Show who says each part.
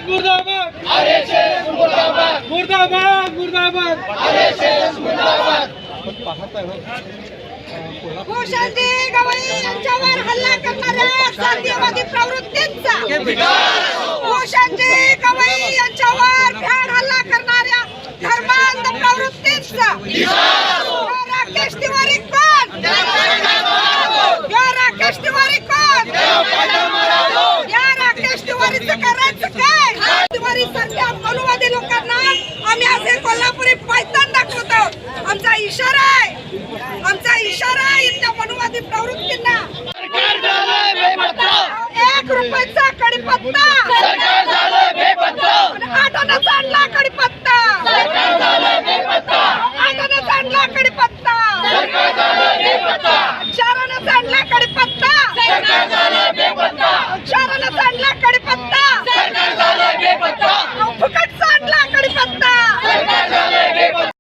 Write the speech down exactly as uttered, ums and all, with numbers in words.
Speaker 1: मुर्दाबाद मुर्दाबाद मुर्दाबाद मुर्दाबाद
Speaker 2: भूषणजी गवळी यांच्यावर हल्ला करणाऱ्या जातीयवादी प्रवृत्तींचा भूषणजी गवळी यांच्यावर भ्याड हल्ला करणाऱ्या धर्मांध प्रवृत्तींचा राकेश तिवारी कोण या राकेश तिवारी कोण या राकेश तिवारीचं करायचं काय? तिवारी सारख्या मनुवादी लोकांना आम्ही असे कोल्हापुरी पायतान दाखवतो. आमचा इशारा आहे आमचा इशारा आहे इथल्या मनुवादी प्रवृत्तींना. एक रुपयाचा कडीपत्ता आठानाचा आणला कडीपत्ता आठानाचा आणला कडीपत्ता चारानाचा आणला कडीपत्ता चारानाचा आणला कडीपत्ता